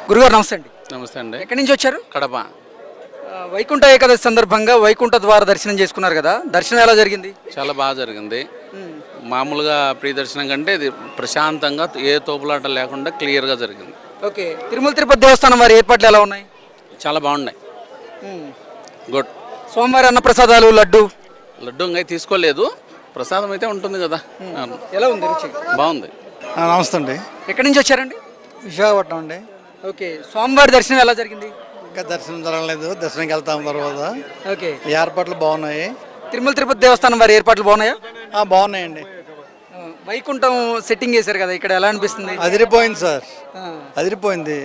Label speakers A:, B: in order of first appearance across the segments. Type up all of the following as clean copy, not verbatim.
A: గురుగారు నమస్తే అండి.
B: నమస్తే అండి.
A: ఎక్కడి నుంచి వచ్చారు?
B: కడప.
A: వైకుంఠ ఏకాదశి సందర్భంగా వైకుంఠ ద్వార దర్శనం చేసుకున్నారు కదా, దర్శనం ఎలా జరిగింది?
B: చాలా బాగా జరిగింది. మామూలుగా ప్రీ దర్శనం కంటే ఇది ప్రశాంతంగా ఏ తోపులాట లేకుండా క్లియర్గా జరిగింది.
A: ఓకే, తిరుమల తిరుపతి దేవస్థానం వారి ఏర్పాట్లు ఎలా ఉన్నాయి?
B: చాలా బాగున్నాయి. గుడ్.
A: సోమవారి అన్నప్రసాదాలు, లడ్డు
B: ఇంకా తీసుకోలేదు, ప్రసాదం అయితే ఉంటుంది కదా.
A: ఎలా ఉంది రుచి?
B: బాగుంది.
C: నమస్తే అండి.
A: ఎక్కడి నుంచి వచ్చారండి?
C: విశాఖపట్నం అండి.
A: ఓకే, స్వామివారి దర్శనం ఎలా జరిగింది?
C: ఇంకా దర్శనం జరగలేదు, దర్శనంకి వెళ్తాం తర్వాత.
A: ఓకే,
C: ఏర్పాట్లు బాగున్నాయి.
A: తిరుమల తిరుపతి దేవస్థానం వారి ఏర్పాట్లు బాగున్నాయా?
C: బాగున్నాయండి.
A: వైకుంఠం సెట్టింగ్ చేశారు కదా, ఇక్కడ ఎలా అనిపిస్తుంది?
C: అదిరిపోయింది సార్, అదిరిపోయింది.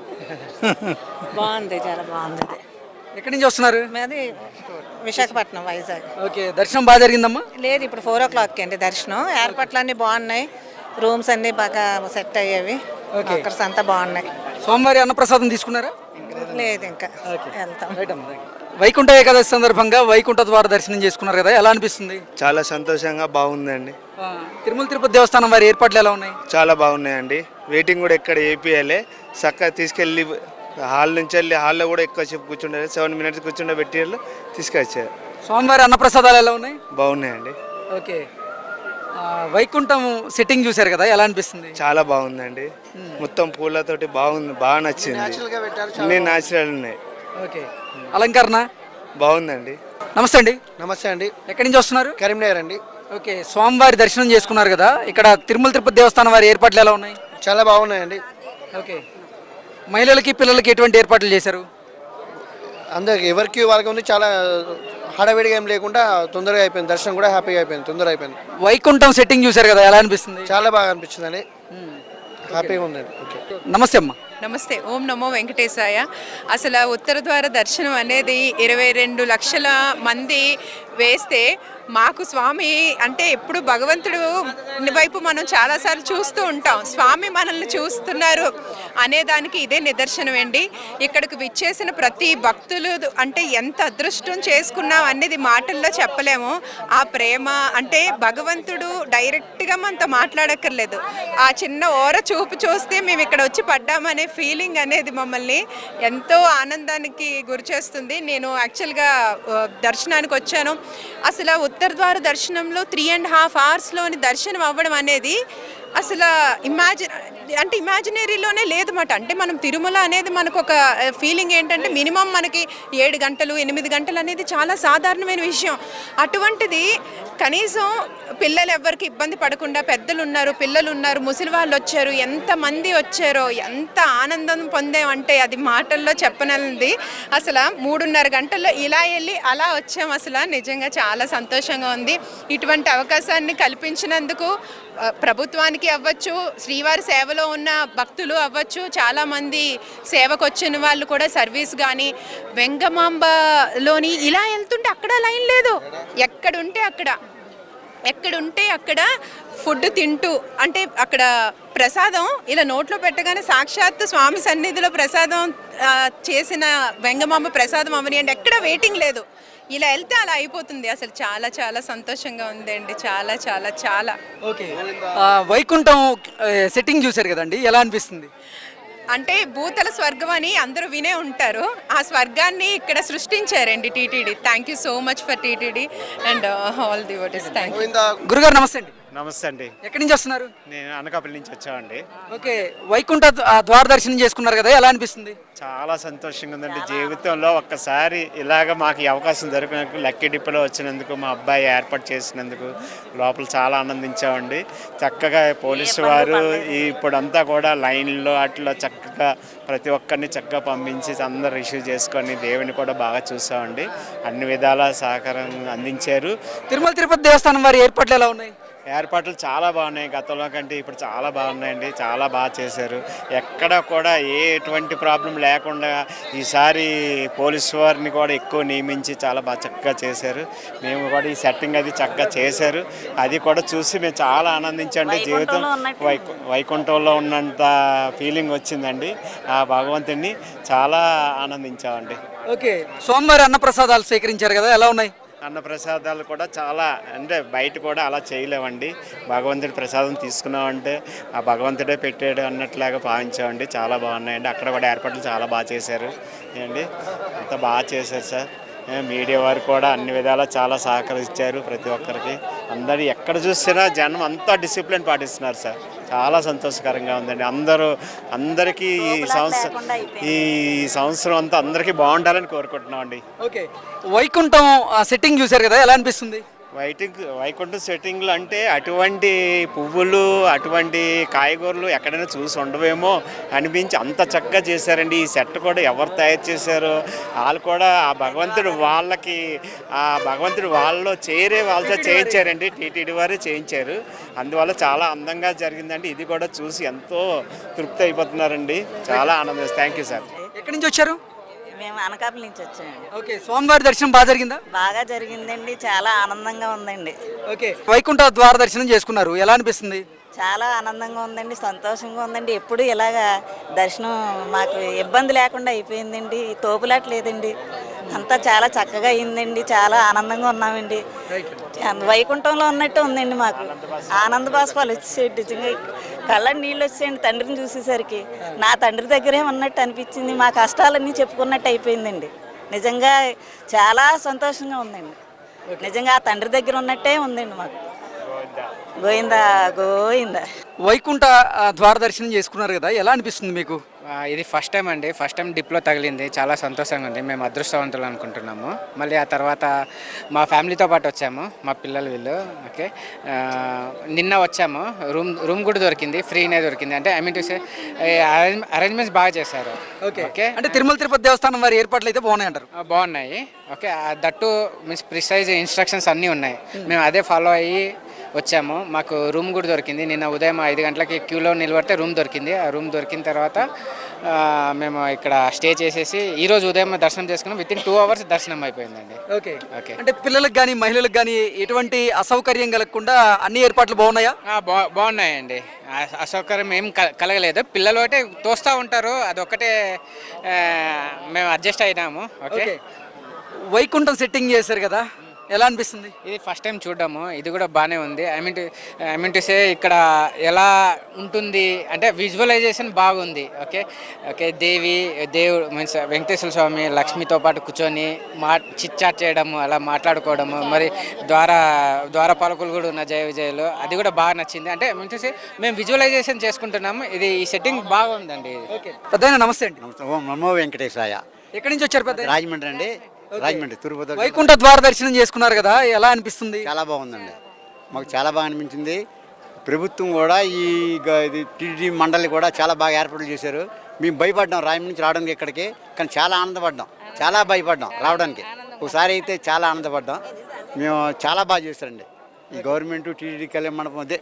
D: బాగుంది, చాలా బాగుంది.
A: ఎక్కడి నుంచి వస్తున్నారు?
D: మాది విశాఖపట్నం, వైజాగ్.
A: ఓకే, దర్శనం బాగా జరిగిందమ్మా?
D: లేదు, ఇప్పుడు 4 o'clock అండి దర్శనం. ఏర్పాట్లు అన్నీ బాగున్నాయి, రూమ్స్ అన్నీ బాగా సెట్ అయ్యేవి, వర్కర్స్ అంతా బాగున్నాయి.
A: సోమవారి అన్నప్రసాదం తీసుకున్నారా?
D: లేదు, ఇంకా వెళ్తాం.
A: వైకుంఠ ఏకాదశి సందర్భంగా వైకుంఠ ద్వార దర్శనం చేసుకున్నారు కదా, ఎలా అనిపిస్తుంది?
E: చాలా సంతోషంగా బాగుందండి.
A: తిరుమల తిరుపతి దేవస్థానం వారి ఏర్పాట్లు ఎలా ఉన్నాయి?
E: చాలా బాగున్నాయండి. వెయిటింగ్ కూడా ఎక్కడ ఏపీఎలే చక్కగా తీసుకెళ్ళి హాల్ నుంచి వెళ్ళి హాల్లో కూడా ఎక్కువ సేపు కూర్చుండే 7 minutes కూర్చుండే పెట్టి తీసుకొచ్చారు.
A: స్వామివారి అన్నప్రసాదాలు ఎలా ఉన్నాయి?
E: బాగున్నాయండి.
A: ఓకే, వైకుంఠం సెట్టింగ్ చూశారు కదా, ఎలా అనిపిస్తుంది?
E: చాలా బాగుందండి. మొత్తం పూలతోటి బాగుంది, బాగా నచ్చింది. అన్ని న్యాచురల్ ఉన్నాయి.
A: ఓకే, అలంకరణ
E: బాగుందండి.
A: నమస్తే అండి.
C: నమస్తే అండి.
A: ఎక్కడి నుంచి వస్తున్నారు?
C: కరీంనగర్ అండి.
A: ఓకే, స్వామివారి దర్శనం చేసుకున్నారు కదా, ఇక్కడ తిరుమల తిరుపతి దేవస్థానం వారి ఏర్పాట్లు ఎలా ఉన్నాయి?
C: చాలా బాగున్నాయండి.
A: ఓకే, మహిళలకి పిల్లలకి ఎటువంటి ఏర్పాట్లు చేశారు?
C: అందరికి ఎవరికి వాళ్ళకి ఉంది, చాలా హడావిడిగా ఏం లేకుండా తొందరగా అయిపోయింది. దర్శనం కూడా హ్యాపీగా అయిపోయింది, తొందరగా అయిపోయింది.
A: వైకుంఠం సెట్టింగ్ చూశారు కదా, ఎలా అనిపిస్తుంది?
C: చాలా బాగా అనిపించిందండి, హ్యాపీగా ఉందండి. ఓకే,
A: నమస్తే అమ్మా.
F: నమస్తే, ఓం నమో వెంకటేశాయ. అసలు ఉత్తర ద్వార దర్శనం అనేది 22 లక్షల మంది వేస్తే మాకు స్వామి అంటే ఎప్పుడు భగవంతుడు వైపు మనం చాలాసార్లు చూస్తూ ఉంటాం, స్వామి మనల్ని చూస్తున్నారు అనేదానికి ఇదే నిదర్శనం అండి. ఇక్కడికి విచ్చేసిన ప్రతి భక్తులు అంటే ఎంత అదృష్టం చేసుకున్నాం అనేది మాటల్లో చెప్పలేము. ఆ ప్రేమ అంటే భగవంతుడు డైరెక్ట్గా మనతో మాట్లాడక్కర్లేదు, ఆ చిన్న ఓర చూపు చూస్తే మేము ఇక్కడ వచ్చి పడ్డామనే ఫీలింగ్ అనేది మమ్మల్ని ఎంతో ఆనందానికి గురి చేస్తుంది. నేను యాక్చువల్గా దర్శనానికి వచ్చాను. అసలు ఉత్తర ద్వార దర్శనంలో 3.5 hours దర్శనం అవ్వడం అనేది అసలు ఇమాజినరీలోనే లేదన్నమాట. అంటే మనం తిరుమల అనేది మనకు ఒక ఫీలింగ్ ఏంటంటే మినిమం మనకి 7 గంటలు 8 గంటలు అనేది చాలా సాధారణమైన విషయం. అటువంటిది కనీసం పిల్లలు ఎవ్వరికి ఇబ్బంది పడకుండా, పెద్దలు ఉన్నారు, పిల్లలు ఉన్నారు, ముసలి వాళ్ళు వచ్చారు, ఎంతమంది వచ్చారో, ఎంత ఆనందం పొందామంటే అది మాటల్లో చెప్పనది. అసలు 3.5 గంటల్లో ఇలా వెళ్ళి అలా వచ్చాం. అసలు నిజంగా చాలా సంతోషంగా ఉంది. ఇటువంటి అవకాశాన్ని కల్పించినందుకు ప్రభుత్వానికి అవ్వచ్చు, శ్రీవారి సేవలో ఉన్న భక్తులు అవ్వచ్చు, చాలామంది సేవకు వచ్చిన వాళ్ళు కూడా సర్వీస్ కానీ, వెంగమాంబలోని ఇలా వెళ్తుంటే అక్కడ లైన్ లేదు, ఎక్కడుంటే అక్కడ ఫుడ్ తింటూ, అంటే అక్కడ ప్రసాదం ఇలా నోట్లో పెట్టగానే సాక్షాత్తు స్వామి సన్నిధిలో ప్రసాదం చేసిన వెంగమాంబ ప్రసాదం అవనియండి, ఎక్కడ వెయిటింగ్ లేదు, ఇలా వెళ్తే అలా అయిపోతుంది. అసలు చాలా చాలా సంతోషంగా ఉందండి, చాలా చాలా చాలా.
A: ఓకే, వైకుంఠం సెట్టింగ్ చూశారు కదండి, ఎలా అనిపిస్తుంది?
F: అంటే భూతల స్వర్గం అని అందరూ వినే ఉంటారు, ఆ స్వర్గాన్ని ఇక్కడ సృష్టించారండి TTD. Thank you so much for TTD and all the what is. Thank you.
A: గురుగారు నమస్తే అండి.
E: నమస్తే అండి.
A: ఎక్కడి నుంచి వస్తున్నారు?
E: నేను అనకాపల్లి నుంచి వచ్చామండి.
A: ఓకే, వైకుంఠ ద్వార దర్శనం చేసుకున్నారు కదా, ఎలా అనిపిస్తుంది?
E: చాలా సంతోషంగా ఉందండి. జీవితంలో ఒక్కసారి ఇలాగ మాకు ఈ అవకాశం దొరికినందుకు, లక్కీ డిప్లో వచ్చినందుకు, మా అబ్బాయి ఏర్పాటు చేసినందుకు లోపల చాలా ఆనందించామండి. చక్కగా పోలీసు వారు ఇప్పుడంతా కూడా లైన్లో అట్లా చక్కగా ప్రతి ఒక్కరిని చక్కగా పంపించి అందరు రిసీవ్ చేసుకొని దేవుని కూడా బాగా చూసామండి. అన్ని విధాల సహకారం అందించారు.
A: తిరుమల తిరుపతి దేవస్థానం వారి ఏర్పాట్లు ఎలా ఉన్నాయి?
E: ఏర్పాట్లు చాలా బాగున్నాయి, గతంలో కంటే ఇప్పుడు చాలా బాగున్నాయండి. చాలా బాగా చేశారు, ఎక్కడ కూడా ఎటువంటి ప్రాబ్లం లేకుండా ఈసారి పోలీసు వారిని కూడా ఎక్కువ నియమించి చాలా బాగా చక్కగా చేశారు. మేము కూడా ఈ సెట్టింగ్ అది చక్కగా చేశారు, అది కూడా చూసి మేము చాలా ఆనందించండి. జీవితం వైకుంఠంలో ఉన్నంత ఫీలింగ్ వచ్చిందండి. ఆ భగవంతుడిని చాలా ఆనందించామండి.
A: ఓకే, సోమవారి అన్నప్రసాదాలు స్వీకరించారు కదా, ఎలా ఉన్నాయి?
E: అన్నప్రసాదాలు కూడా చాలా అంటే బయట కూడా అలా చేయలేమండి. భగవంతుడి ప్రసాదం తీసుకున్నామంటే ఆ భగవంతుడే పెట్టాడు అన్నట్లాగా భావించామండి. చాలా బాగున్నాయండి. అక్కడ కూడా ఏర్పాట్లు చాలా బాగా చేశారు అండి. అంతా బాగా చేశారు సార్. మీడియా వారు కూడా అన్ని విధాలా చాలా సహకరించారు ప్రతి ఒక్కరికి. అందరూ ఎక్కడ చూసినా జనం అంతా డిసిప్లిన్ పాటిస్తున్నారు సార్. చాలా సంతోషకరంగా ఉందండి. అందరికీ ఈ సంవత్సరం అంతా అందరికీ బాగుండాలని కోరుకుంటున్నాం అండి.
A: ఓకే, వైకుంఠం సెట్టింగ్ చూశారు కదా, ఎలా అనిపిస్తుంది?
E: వైకుంఠ సెట్టింగ్లు అంటే అటువంటి పువ్వులు అటువంటి కాయగూరలు ఎక్కడైనా చూసి ఉండవేమో అనిపించి అంత చక్కగా చేశారండి. ఈ సెట్ కూడా ఎవరు తయారు చేశారో వాళ్ళు కూడా ఆ భగవంతుడు వాళ్ళలో వాళ్ళతో చేయించారండి. టీటీడీ వారే చేయించారు. అందువల్ల చాలా అందంగా జరిగిందండి. ఇది కూడా చూసి ఎంతో తృప్తి అయిపోతున్నారండి. చాలా ఆనందం. Thank you sir.
A: ఎక్కడి నుంచి వచ్చారు?
G: మేము అనకాపల్లి నుంచి వచ్చామండి.
A: ఓకే, స్వామివారి దర్శనం బాగా జరిగిందా?
G: బాగా జరిగిందండి. చాలా ఆనందంగా ఉందండి.
A: ఓకే, వైకుంఠ ద్వార దర్శనం చేసుకున్నారు, ఎలా అనిపిస్తుంది?
G: చాలా ఆనందంగా ఉందండి. సంతోషంగా ఉందండి. ఎప్పుడు ఇలాగా దర్శనం మాకు ఇబ్బంది లేకుండా అయిపోయిందండి. తోపులాట లేదండి. అంతా చాలా చక్కగా అయిందండి. చాలా ఆనందంగా ఉన్నామండి. వైకుంఠంలో ఉన్నట్టు ఉందండి. మాకు ఆనంద బాష్పాలు వచ్చేయండి. నిజంగా కళ్ళ నీళ్ళు వచ్చేయండి తండ్రిని చూసేసరికి. నా తండ్రి దగ్గరే ఉన్నట్టు అనిపించింది. మా కష్టాలన్నీ చెప్పుకున్నట్టు అయిపోయిందండి. నిజంగా చాలా సంతోషంగా ఉందండి. నిజంగా ఆ తండ్రి దగ్గర ఉన్నట్టే ఉందండి మాకు. గోయిందా గోయిందా.
A: వైకుంఠ ద్వార దర్శనం చేసుకున్నారు కదా, ఎలా అనిపిస్తుంది మీకు?
H: ఇది ఫస్ట్ టైం అండి. ఫస్ట్ టైం డిప్లో తగిలింది. చాలా సంతోషంగా ఉంది. మేము అదృష్టవంతులు అనుకుంటున్నాము. మళ్ళీ ఆ తర్వాత మా ఫ్యామిలీతో పాటు వచ్చాము, మా పిల్లలు వీళ్ళు. ఓకే, నిన్న వచ్చాము. రూమ్ కూడా దొరికింది, ఫ్రీనే దొరికింది. అంటే I mean to say arrangements బాగా చేశారు.
A: ఓకే, అంటే తిరుమల తిరుపతి దేవస్థానం వారి ఏర్పాట్లు అయితే బాగున్నాయి అంటారు?
H: బాగున్నాయి. Okay, that means precise instructions అన్నీ ఉన్నాయి. మేము అదే ఫాలో అయ్యి వచ్చాము. మాకు రూమ్ కూడా దొరికింది. నిన్న ఉదయం 5 గంటలకి క్యూలో నిలబడితే రూమ్ దొరికింది. ఆ రూమ్ దొరికిన తర్వాత మేము ఇక్కడ స్టే చేసేసి ఈరోజు ఉదయం దర్శనం చేసుకున్నాం. వితిన్ 2 hours దర్శనం అయిపోయిందండి.
A: ఓకే ఓకే, అంటే పిల్లలకు కానీ మహిళలకు కానీ ఎటువంటి అసౌకర్యం కలగకుండా అన్ని ఏర్పాట్లు బాగున్నాయా?
H: బాగున్నాయండి. అసౌకర్యం ఏం కలగలేదు. పిల్లలు ఒకటే తోస్తూ ఉంటారు, అదొక్కటే మేము అడ్జస్ట్ అయినాము. ఓకే,
A: వైకుంఠం సెట్టింగ్ చేశారు కదా, ఎలా అనిపిస్తుంది?
H: ఇది ఫస్ట్ టైం చూడడము. ఇది కూడా బాగానే ఉంది. ఐ మీన్ టు సే ఇక్కడ ఎలా ఉంటుంది అంటే విజువలైజేషన్ బాగుంది. ఓకే ఓకే, దేవుడు మీన్స్ వెంకటేశ్వర స్వామి లక్ష్మితో పాటు కూర్చొని చిట్చాట్ చేయడము, అలా మాట్లాడుకోవడము, మరి ద్వారపాలకులు కూడా ఉన్న జయ విజయలు, అది కూడా బాగా నచ్చింది. అంటే మీన్ టు సే మేము విజువలైజేషన్ చేసుకుంటున్నాము. ఇది ఈ సెట్టింగ్ బాగుందండి.
A: ఓకే, పెద్ద నమస్తే అండి.
I: ఓం నమో వెంకటేశాయ.
A: ఎక్కడి నుంచి వచ్చారు పెద్ద?
I: రాజమండ్రి అండి. రాజమండ్రి తిరుపతి.
A: వైకుంఠ ద్వార దర్శనం చేసుకున్నారు కదా, ఎలా అనిపిస్తుంది?
I: చాలా బాగుందండి. మాకు చాలా బాగా అనిపించింది. ప్రభుత్వం కూడా ఇది టీటీడీ మండలి కూడా చాలా బాగా ఏర్పాట్లు చేశారు. మేము భయపడ్డాం రాయమండ్రి నుంచి రావడానికి ఇక్కడికి, కానీ చాలా ఆనందపడ్డాం. చాలా భయపడ్డాం రావడానికి. ఒకసారి అయితే చాలా ఆనందపడ్డాం. మేము చాలా బాగా చేశారండి. ఈ గవర్నమెంట్ టీటీడీ కళ్యాణ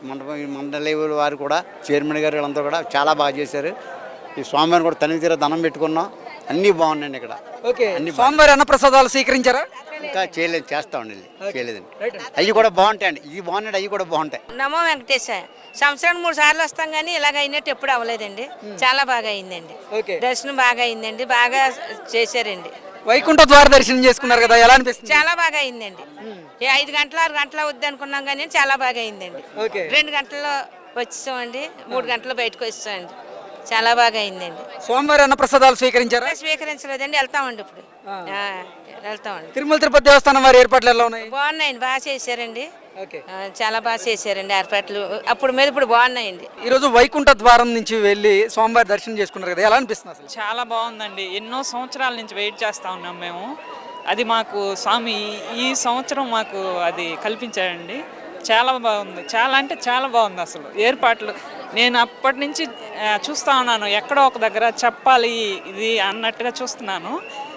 I: మండలి వారు కూడా చైర్మన్ గారు వీళ్ళంతా కూడా చాలా బాగా చేశారు. ఈ స్వామివారిని కూడా తనిఖీ తీరా దండం పెట్టుకున్నాం. అన్నీ బాగున్నాయండి ఇక్కడ.
A: ఓకే, స్వామివారి అన్నప్రసాదాలు స్వీకరించారా?
I: ఇంకా చేయలేదు, చేస్తామండి. చేయలేదండి. అవి కూడా బాగుంటాయండి. ఇవి బాగున్నాయి, అవి కూడా బాగుంటాయి.
J: నమో వెంకటేశ్వర. సంవత్సరానికి 3 సార్లు వస్తాం కానీ ఇలాగ అయినట్టు ఎప్పుడు అవ్వలేదండి. చాలా బాగా అయిందండి. దర్శనం బాగా అయిందండి. బాగా చేశారండి.
A: వైకుంఠ ద్వార దర్శనం చేసుకున్నారు కదా, ఎలా అనిపిస్తుంది?
J: చాలా బాగా అయిందండి. 5 గంటలు 6 గంటలు అవుద్ది అనుకున్నాం కానీ చాలా బాగా అయిందండి. 2 గంటల్లో వచ్చేసామండి. 3 గంటలు బయటకు వచ్చామండి. చాలా బాగా అయిందండి.
A: స్వామివారి అన్నప్రసాదాలు స్వీకరించారా?
J: స్వీకరించలేదండి. వెళ్తామండి ఇప్పుడు. వెళ్తామండి.
A: తిరుమల తిరుపతి దేవస్థానం వారి ఏర్పాట్లు ఎలా ఉన్నాయి?
J: బాగున్నాయండి. బాగా చేశారండి. చాలా బాగా చేశారండి ఏర్పాట్లు. అప్పుడు మీద ఇప్పుడు బాగున్నాయండి.
A: ఈరోజు వైకుంఠ ద్వారం నుంచి వెళ్ళి స్వామివారి దర్శనం చేసుకున్నారు కదా, ఎలా అనిపిస్తుంది అసలు?
K: చాలా బాగుందండి. ఎన్నో సంవత్సరాల నుంచి వెయిట్ చేస్తూ ఉన్నాం మేము. అది మాకు స్వామి ఈ సంవత్సరం మాకు అది కల్పించాడండి. చాలా బాగుంది. చాలా అంటే చాలా బాగుంది అసలు ఏర్పాట్లు. నేను అప్పటి నుంచి చూస్తూ ఉన్నాను, ఎక్కడో ఒక దగ్గర చెప్పాలి ఇది అన్నట్టుగా చూస్తున్నాను.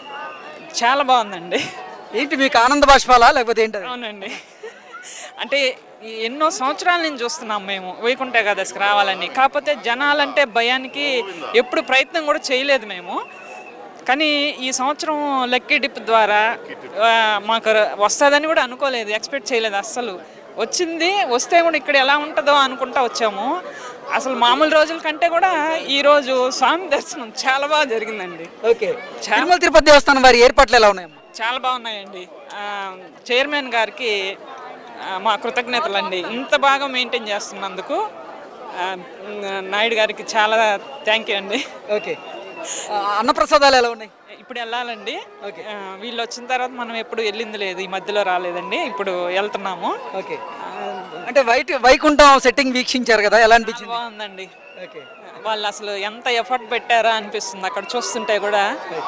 K: చాలా బాగుందండి.
A: ఏంటి మీకు ఆనంద బాష్పాలా లేకపోతే ఏంటి?
K: అవునండి, అంటే ఎన్నో సంవత్సరాల నుంచి చూస్తున్నాం మేము వైకుంఠ ఏకాదశికి రావాలని. కాకపోతే జనాలంటే భయానికి ఎప్పుడు ప్రయత్నం కూడా చేయలేదు మేము. కానీ ఈ సంవత్సరం లక్కీ డిప్ ద్వారా మాకు వస్తుందని కూడా అనుకోలేదు, ఎక్స్పెక్ట్ చేయలేదు అస్సలు. వస్తే కూడా ఇక్కడ ఎలా ఉంటుందో అనుకుంటా వచ్చాము. అసలు మామూలు రోజుల కంటే కూడా ఈరోజు స్వామి దర్శనం చాలా బాగా జరిగిందండి.
A: ఓకే, తిరుమల తిరుపతి దేవస్థానం వారి ఏర్పాట్లు ఎలా ఉన్నాయమ్మా?
K: చాలా బాగున్నాయండి. చైర్మన్ గారికి మా కృతజ్ఞతలండి. ఇంత బాగా మెయింటైన్ చేస్తున్నందుకు నాయుడు గారికి చాలా థ్యాంక్ యూ అండి.
A: ఓకే, అన్నప్రసాదాలు ఎలా ఉన్నాయి?
K: ఇప్పుడు వెళ్ళాలండి. వీళ్ళు వచ్చిన తర్వాత మనం ఎప్పుడు వెళ్ళింది లేదు, ఈ మధ్యలో రాలేదండి, ఇప్పుడు వెళ్తున్నాము.
A: ఓకే, అంటే వైకుంఠం సెట్టింగ్ వీక్షించారు కదా, ఎలా అనిపించింది?
K: బాగుందండి. వాళ్ళు అసలు ఎంత ఎఫర్ట్ పెట్టారా అనిపిస్తుంది అక్కడ చూస్తుంటే కూడా.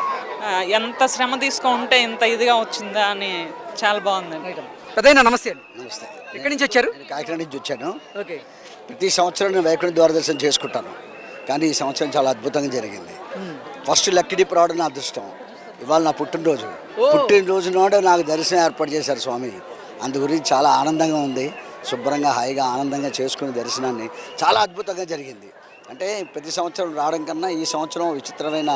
K: ఎంత శ్రమ తీసుకుంటే ఇంత ఇదిగా వచ్చిందా అని చాలా బాగుందండి.
A: పెద్దయినా నమస్తే అండి.
L: నమస్తే.
A: ఎక్కడి నుంచి వచ్చారు?
L: కాకినాడ నుంచి వచ్చాను.
A: ఓకే,
L: ప్రతి సంవత్సరం నేను వైకుంఠ ద్వార దర్శనం చేసుకుంటాను, కానీ ఈ సంవత్సరం చాలా అద్భుతంగా జరిగింది. ఫస్ట్ లక్కీ డిప్ రావడం నా అదృష్టం. ఇవాళ నా పుట్టినరోజు నాడు నాకు దర్శనం ఏర్పాటు చేశారు స్వామి. అందు గురించి చాలా ఆనందంగా ఉంది. శుభ్రంగా హాయిగా ఆనందంగా చేసుకునే దర్శనాన్ని చాలా అద్భుతంగా జరిగింది. అంటే ప్రతి సంవత్సరం రావడం కన్నా ఈ సంవత్సరం విచిత్రమైన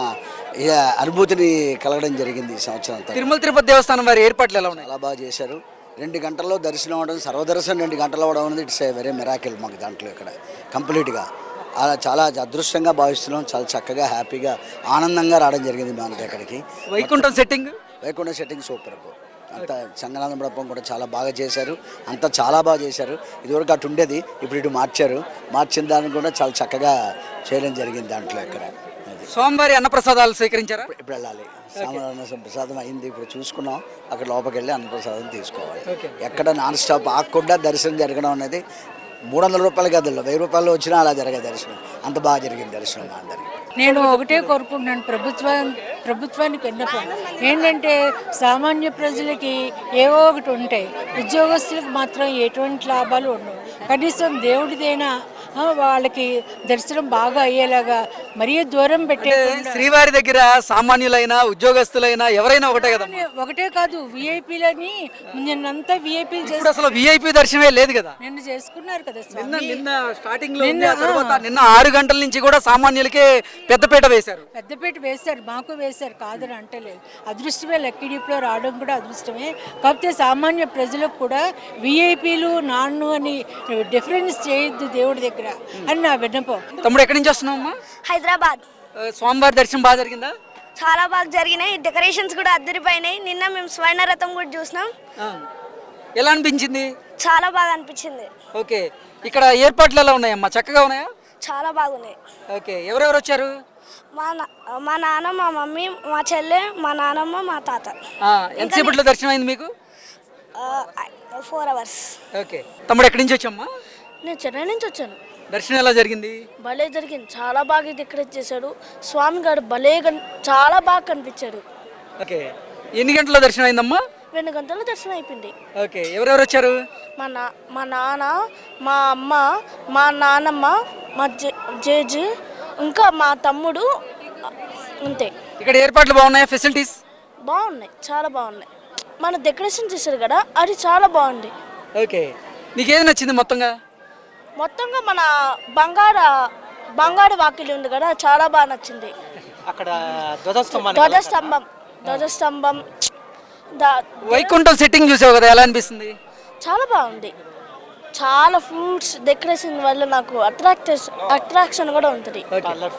L: అనుభూతిని కలగడం జరిగింది. ఈ సంవత్సరం
A: తిరుమల తిరుపతి దేవస్థానం వారి ఏర్పాట్లు ఎలా ఉన్నాయి?
L: చాలా బాగా చేశారు. 2 గంటల్లో దర్శనం అవ్వడం, సర్వదర్శనం 2 గంటలు అవ్వడం అనేది ఇట్స్ ఏ వెరీ మిరాకిల్ మాకు దాంట్లో ఇక్కడ కంప్లీట్గా. అలా చాలా అదృష్టంగా భావిస్తున్నాం. చాలా చక్కగా హ్యాపీగా ఆనందంగా రావడం జరిగింది మా దగ్గరికి.
A: Vaikuntham
L: setting super. అంతా సంగనాథ మండపం కూడా చాలా బాగా చేశారు. అంతా చాలా బాగా చేశారు. ఇదివరకు అటు ఉండేది, ఇప్పుడు ఇటు మార్చిన దాన్ని కూడా చాలా చక్కగా చేయడం జరిగింది దాంట్లో. ఇక్కడ
A: స్వామివారి అన్నప్రసాదాలు స్వీకరించారా?
L: ఇప్పుడు వెళ్ళాలి. సామాన్య ప్రసాదం అయింది, ఇప్పుడు చూసుకున్నాం. అక్కడ లోపలికి వెళ్ళి అన్నప్రసాదం తీసుకోవాలి. ఎక్కడ నాన్ స్టాప్ ఆగకుండా దర్శనం జరగడం అనేది 300 రూపాయల గదుల్లో 1000 రూపాయలు వచ్చినా అలా జరిగే దర్శనం. అంత బాగా జరిగింది దర్శనం మా అందరికి.
M: నేను ఒకటే కోరుకుంటున్నాను, ప్రభుత్వానికి విన్నపం ఏంటంటే సామాన్య ప్రజలకి ఏవో ఒకటి ఉంటాయి, ఉద్యోగస్తులకు మాత్రం ఎటువంటి లాభాలు ఉండవు. కనీసం దేవుడిదైనా వాళ్ళకి దర్శనం బాగా అయ్యేలాగా మరీ దూరం పెట్టే.
A: శ్రీవారి దగ్గర సామాన్యులైనా ఉద్యోగస్తులైనా ఎవరైనా ఒకటే కదా?
M: ఒకటే కాదు, విఐపీలని నిన్నంతా విఐపీలు
A: చేస్తారు. అసలు విఐపీ దర్శనమే లేదు కదా,
M: నిన్న చేసుకున్నారు కదా.
A: నిన్న స్టార్టింగ్ లో నిన్న 6 గంటల నుంచి కూడా సామాన్యులకే పెద్దపీట వేశారు.
M: మాకు వేశారు, కాదని అంటలేదు. అదృష్టమే లక్కీ డిప్లో రావడం కూడా అదృష్టమే. కాకపోతే సామాన్య ప్రజలకు కూడా విఐపీలు నాన్ను అని డిఫరెన్స్ చేయొద్దు దేవుడి దగ్గర అని నా విన్నపం.
A: తమ్ముడు ఎక్కడి నుంచి వస్తున్నావమ్మా?
N: హైదరాబాద్.
A: స్వామివారి దర్శనం బాగా జరిగిందా?
N: చాలా బాగా జరిగినాయి. డెకరేషన్స్ కూడా అద్దరిపోయినాయి. నిన్న మేము స్వర్ణ రథం కూడా చూసినాం.
A: ఎలా అనిపించింది?
N: చాలా బాగా అనిపించింది.
A: ఓకే, ఇక్కడ ఏర్పాట్లు ఎలా ఉన్నాయమ్మా? చక్కగా ఉన్నాయా?
N: చాలా బాగున్నాయి.
A: ఓకే, ఎవరెవరు వచ్చారు?
N: మా నాన్న, మా మమ్మీ, మా చెల్లె, మా నాన్నమ్మ, మా తాత.
A: ఎంతసేపట్లో దర్శనం అయింది మీకు?
N: 4 hours.
A: ఓకే, తమ్ముడు ఎక్కడి నుంచి వచ్చామ్మా?
N: నేను చెన్నై నుంచి వచ్చాను.
A: దర్శనం ఎలా జరిగింది?
N: భలే జరిగింది. చాలా బాగా డెకరేట్ చేశాడు స్వామి గారు. చాలా బాగా కనిపించాడు.
A: ఓకే, ఎన్ని గంటల దర్శనం అయిందమ్మా?
N: 2 గంటల దర్శనం అయిపోయింది.
A: ఓకే, ఎవరెవరు వచ్చారు?
N: మా నాన్న, మా అమ్మ, మా నాన్నమ్మ, మా జేజు, ఇంకా మా తమ్ముడు, అంతే.
A: ఇక్కడ ఏర్పాట్లు బాగున్నాయా? ఫెసిలిటీస్
N: బాగున్నాయి, చాలా బాగున్నాయి. మన డెకరేషన్ చేశారు కదా, అది చాలా బాగుంది.
A: ఓకే, నీకేది నచ్చింది మొత్తంగా?
N: మన బంగారు వాకిలి ఉంది కదా, చాలా బాగా నచ్చింది.
A: అక్కడ
N: ధ్వజస్తంభం
A: వైకుంఠం సెట్టింగ్ చూసావు కదా, ఎలా అనిపిస్తుంది?
N: చాలా బాగుంది. చాలా ఫ్రూట్స్ డెకరేషన్ వల్ల నాకు అట్రాక్షన్ కూడా ఉంటుంది.